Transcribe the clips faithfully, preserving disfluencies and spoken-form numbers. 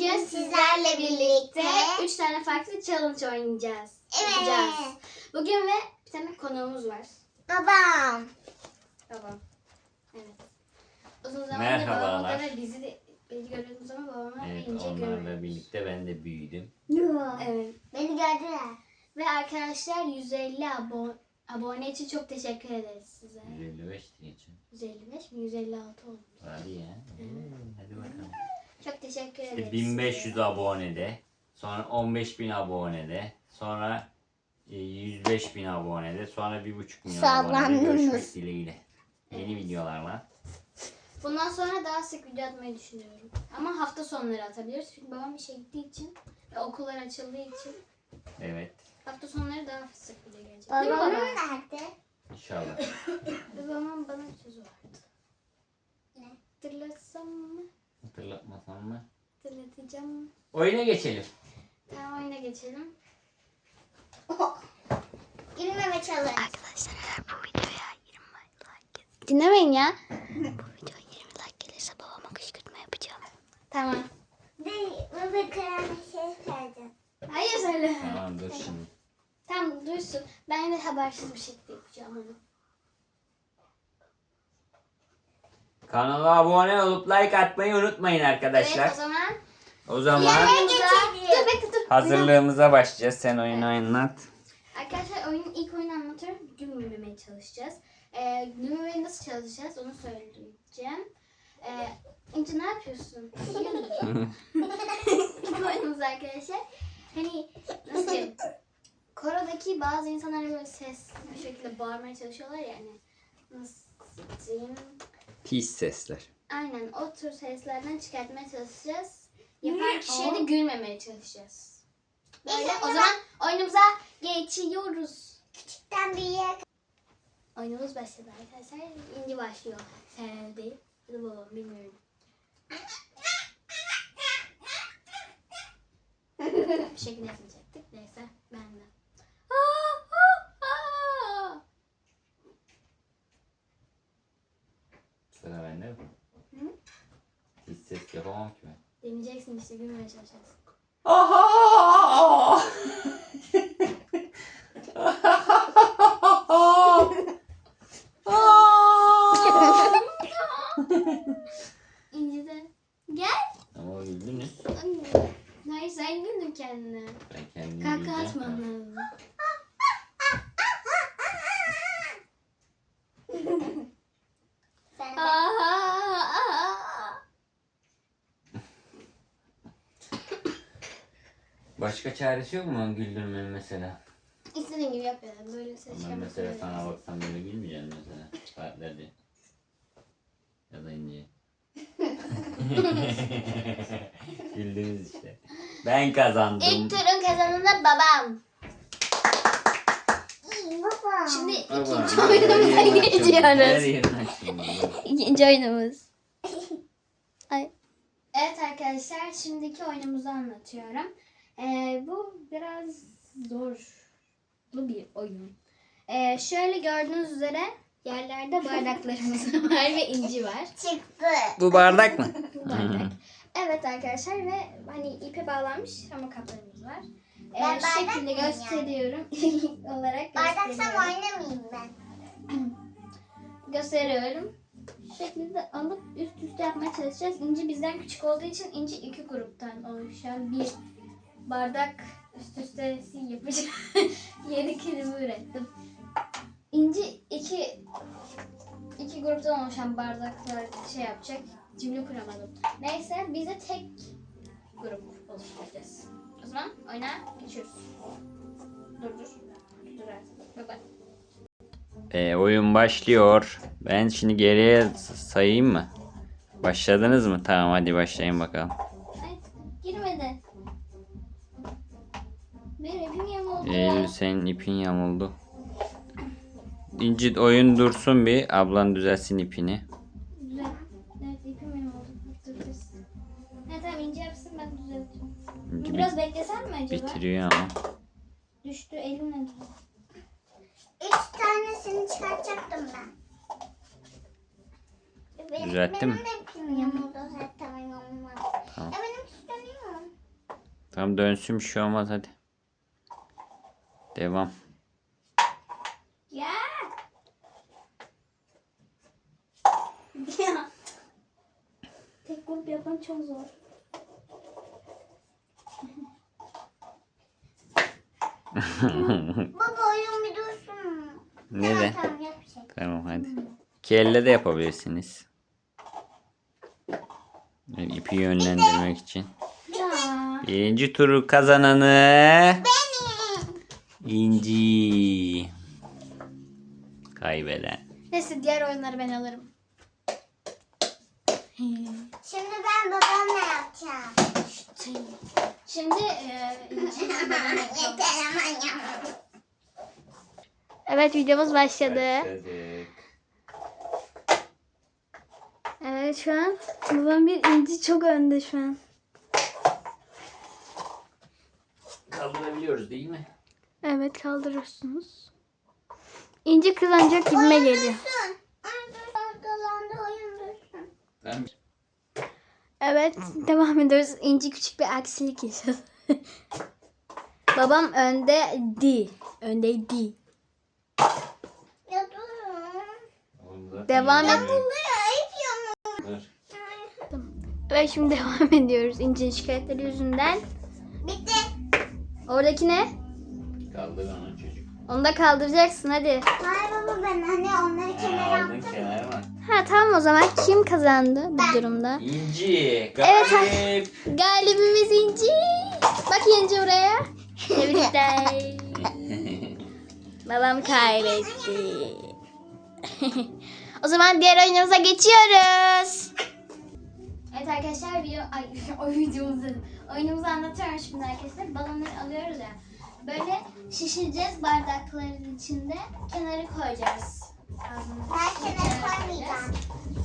Bugün sizlerle birlikte üç tane farklı challenge oynayacağız. Evet. Yapacağız. Bugün ve bir tane konuğumuz var. Babam. Babam. Evet. Uzun zamandır Merhabalar. babamla ve bizi de bizi görüyorsunuz ama babamla Evet, ince onlarla görmüyoruz. birlikte ben de büyüdüm. Evet. Beni gördüler. Ve arkadaşlar yüz elli abo abone için çok teşekkür ederiz size. yüz elli beş geçin. yüz elli beş mi? yüz elli altı oldu. Hadi ya. Hadi bakalım. Çok teşekkür İşte ederiz. bin beş yüz size. abonede, sonra on beş bin abonede, sonra e, yüz beş bin abonede, sonra bir buçuk milyon abonede Sallandınız. görüşmek dileğiyle. Yeni videolarla. Bundan sonra daha sık video atmayı düşünüyorum. Ama hafta sonları atabiliriz. Çünkü babam işe gittiği için ve okullar açıldığı için Evet. hafta sonları daha sık video gelecek. Değil mi Babamın baba? nerede? İnşallah. Ve babamın bana bir sözü vardı. Ne? Hatırlatsam mı? Hatırlatmasam mı? Hatırlatacağım. Oyuna geçelim. Tamam, oyuna geçelim. Girmeme çalış. Arkadaşlar eğer bu videoya yirmi like gelirse... Dinlemeyin ya. Bu videoya yirmi like gelirse babama kışkırtma yapacağım. Tamam. Değil. Baba karanlık şey söyleyeceğim. Hayır söyle. Tamam dur şimdi. Tamam duysun. Ben de habersiz bir şekilde yapacağım onu. Kanala abone olup like atmayı unutmayın arkadaşlar. Evet, o zaman... O zaman Dur bekle dur. hazırlığımıza başlayacağız. Sen oyunu oynat. Arkadaşlar oyunun ilk oyunu anlatıyorum. Gülmemeye çalışacağız. Ee, gülmemeye nasıl çalışacağız onu söyleyeceğim. Ee, İnci ne yapıyorsun? Yiyor musun? İlk oyunumuz arkadaşlar. Hani nasıl diyeyim? Korodaki bazı insanlar böyle ses bir şekilde bağırmaya çalışıyorlar ya hani. Nasıl diyeyim? Pis sesler. Aynen o tür seslerden çıkartmaya çalışacağız. Yapan kişiye de gülmemeye çalışacağız. Böyle o zaman oyunumuza geçiyoruz. Küçükten büyüğe Oyunumuz başladı arkadaşlar. İnci başlıyor. Sen değil. Ya da babam bilmiyorum. Bir şekilde yapacaktık. Neyse ben de. Aa, aa, aa. Sıra bende mi? Hı? Hiç ses yapamam ki ben. Deneyeceksin işte gülmeye çalışacaksın. Aha! İnci de gel. Ama güldünüz. Hayır sen güldün kendine. Ben kendimi Kaka güleceğim. atman lazım. sen de. Başka çaresi yok mu güldürmenin mesela? İstediğin gibi yap ya. Böyle ses Ben çıkarmak mesela sana zorunda baksam böyle gülmeyeceğim mesela. Saatlerce. Ya da ince. Güldünüz işte. Ben kazandım. İlk turun kazananı babam. Baba. Şimdi Baba, ikinci her oyunumuza yerini açtım. Her geçiyoruz. yerini açtım. İkinci oyunumuz. Ay. Evet arkadaşlar, şimdiki oyunumuzu anlatıyorum. Ee, bu biraz zorlu bir oyun. Ee, şöyle gördüğünüz üzere yerlerde bardaklarımız var ve inci var. Çıktı. Bu bardak mı? Bu bardak. Evet arkadaşlar ve hani ipe bağlanmış ama kaplarımız var. Ee, Ben şu bardak şekilde mıyım gösteriyorum. olarak Bardaksam gösteriyorum. oynamayayım ben. Gösteriyorum. Şu şekilde alıp üst üste yapmaya çalışacağız. İnci bizden küçük olduğu için İnci iki gruptan oluşan bir bardak üst üste yapacağım. Yeni kelime ürettim. İnci iki iki gruptan oluşan bardaklar şey yapacak. Cümle kuramadım. Neyse biz de tek grup oluşturacağız. O zaman oyuna geçiyoruz. Dur dur. Dur artık. Bye bye. E, oyun başlıyor. Ben şimdi geriye sayayım mı? Başladınız mı? Tamam hadi başlayın bakalım. Ay, girmedi. Benim ipim yamuldu. Eylül senin ipin yamuldu. İnci oyun dursun bir. Ablan düzelsin ipini. Güzel. Evet ipim yamuldu. Dur dur. Evet tamam İnci yapsın ben düzelteceğim. İnci Biraz bit- beklesem mi acaba? bitiriyor ama. Düştü elimle. Üç tanesini çıkartacaktım ben. Benim, Düzelttin mi? benim de ipim yamuldu zaten. Yamulmadı. Tamam. E benim tutanıyor. Tam dönsün, bir şey olmaz, hadi. Devam. Ya. Ya. Tek grup yapmak çok zor. Baba oyun bir dursun. Ne de? Tamam yapacak. Tamam, hadi. İki elle de yapabilirsiniz. Yani ipi yönlendirmek için. Ya. Birinci turu kazananı İnci. Kaybeden. Neyse, diğer oyunları ben alırım. Şimdi ben babamla yapacağım. Şimdi e, İnci babana yapalım. Yeter aman ya. Evet, videomuz başladı. Başladık. Evet, şu an babam bir İnci çok önde şu an. Kaldırabiliyoruz değil mi? Evet, kaldırıyorsunuz. İnci kazanacak gibime geliyor. Dursun. Oyun dursun. Dolandı oyun dursun. Tamam. Evet, devam ediyoruz. İnci küçük bir aksilik yaşadı. Babam önde di. Öndeydi. Ya durun. Devam et. Buraya ayıp ya. Evet, şimdi devam ediyoruz İnci'nin şikayetleri yüzünden. Bitti. Oradaki ne? Kaldır onu çocuk. Onu da kaldıracaksın, hadi. Hayır baba ben hani onları kenara Aldın attım. kenara bak. Ha tamam, o zaman kim kazandı bu durumda? İnci. Evet. Galip. Galibimiz İnci. Bak İnci buraya. Tebrikler. Babam kaybetti. O zaman diğer oyunumuza geçiyoruz. Evet arkadaşlar, video, ay, o videomuzu, oyunumuzu anlatıyorum şimdi arkadaşlar. Balonları alıyoruz ya. Böyle şişireceğiz bardakların içinde. Kenara koyacağız. Ağzını Ben kenara koymayacağım.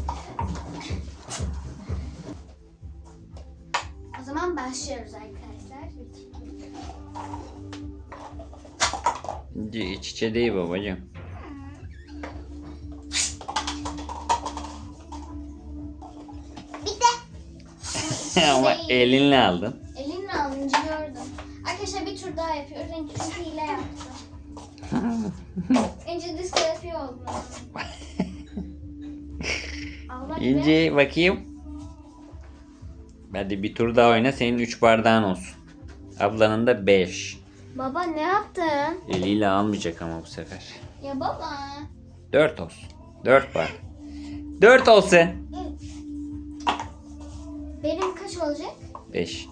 O zaman başlıyoruz arkadaşlar. İnci iç içe değil babacığım. Bitti. Ama elinle aldın. Elinle alınca gördüm. Arkadaşlar bir tur daha yapıyoruz. İnci çünkü hile yaptı. İnci diskalifiye oldu. Allah be. İnci bakayım. Hadi bir tur daha oyna, senin üç bardağın olsun. Ablanın da beş. Baba ne yaptın? Eliyle almayacak ama bu sefer. Ya baba. Dört olsun. Dört bardak. Dört olsun. Benim kaç olacak? Beş.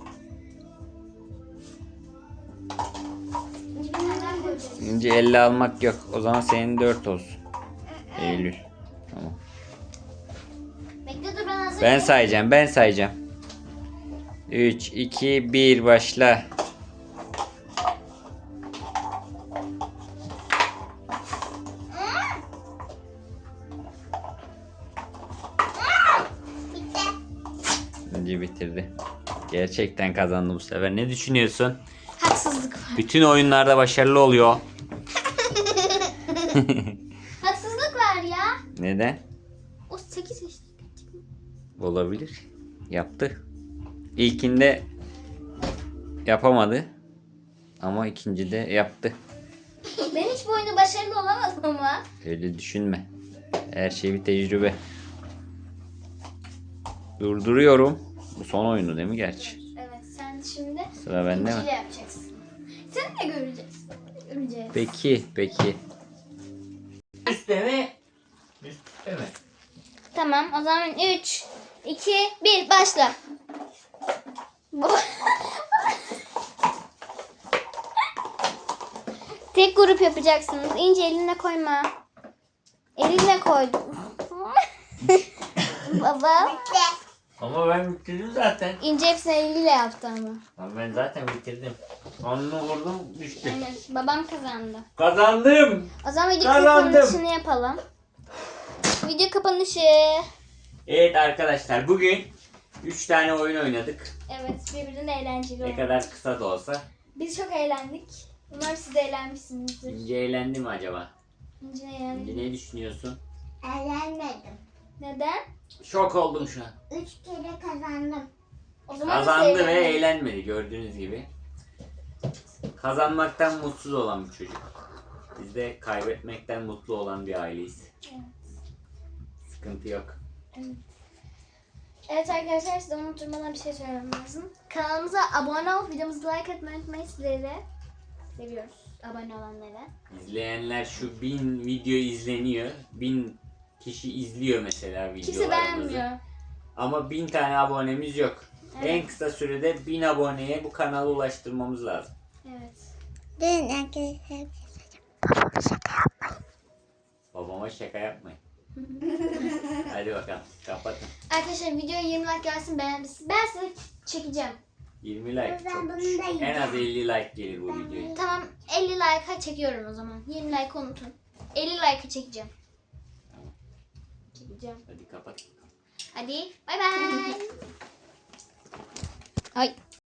İnci bir tane daha koyacağız. İnci elle almak yok. O zaman senin dört olsun. Eylül. Tamam. Bekle dur, ben hazır. Ben sayacağım. Ben sayacağım. Üç, iki, bir, başla. Bitti. İnci bitirdi. Gerçekten kazandı bu sefer. Ne düşünüyorsun? Haksızlık var. Bütün oyunlarda başarılı oluyor. Haksızlık var ya. Neden? O sekiz yaşında. Olabilir. Yaptı. İlkinde yapamadı. Ama ikincide yaptı. Ben hiç bu oyunda başarılı olamadım ama. Öyle düşünme. Her şey bir tecrübe. Durduruyorum. Bu son oyunu değil mi gerçi? Evet, sen şimdi Sıra bende mi? İnci'yle yapacaksın. Sen de göreceksin. Göreceğiz. Peki, peki. Üstte mi? Üstte mi? Tamam, o zaman üç, iki, bir, başla. Tek grup yapacaksınız. İnce eline koyma. Eline koydum. Baba. Bitti. Ama ben bitirdim zaten. İnce hepsini eliyle yaptı ama. Ama ben zaten bitirdim. Sonunu vurdum, düştü. Evet, babam kazandı. Kazandım. O zaman video Kazandım. kapanışını yapalım. Video kapanışı. Evet arkadaşlar, bugün üç tane oyun oynadık. Evet, birbirinden eğlenceli Ne oldu. kadar kısa da olsa. Biz çok eğlendik. Umarım siz de eğlenmişsinizdir. İnce eğlendi mi acaba? İnce eğlendik. İnce ne düşünüyorsun? Eğlenmedim. Neden? Şok oldum şu an. Üç kere kazandım. O zaman Kazandı nasıl ve eğlenmeli? eğlenmedi gördüğünüz gibi. Kazanmaktan mutsuz olan bir çocuk. Biz de kaybetmekten mutlu olan bir aileyiz. Evet. Sıkıntı yok. Evet arkadaşlar, size unutturmadan bir şey söylemem lazım. Kanalımıza abone olup videomuzu like etmeyi unutmayın. Sizleri de seviyoruz. Abone olanları. İzleyenler şu bin video izleniyor. Bin kişi izliyor mesela Kimse videolarımızı. beğenmiyor. Ama bin tane abonemiz yok. Evet. En kısa sürede bin aboneye bu kanalı ulaştırmamız lazım. Evet. Dün arkadaşlar. Babama şaka yapmayın. Hadi bakalım kapatın. Arkadaşlar videoya yirmi like gelsin, beğenmişsiniz. Ben size çekeceğim. yirmi like Ben çok bunu düşük. da En yiyeceğim. az elli like gelir bu videoya. Tamam, elli like'a çekiyorum o zaman. yirmi like unutun. elli like'a çekeceğim. Çekeceğim. Hadi kapat. Hadi bay bay. Ay.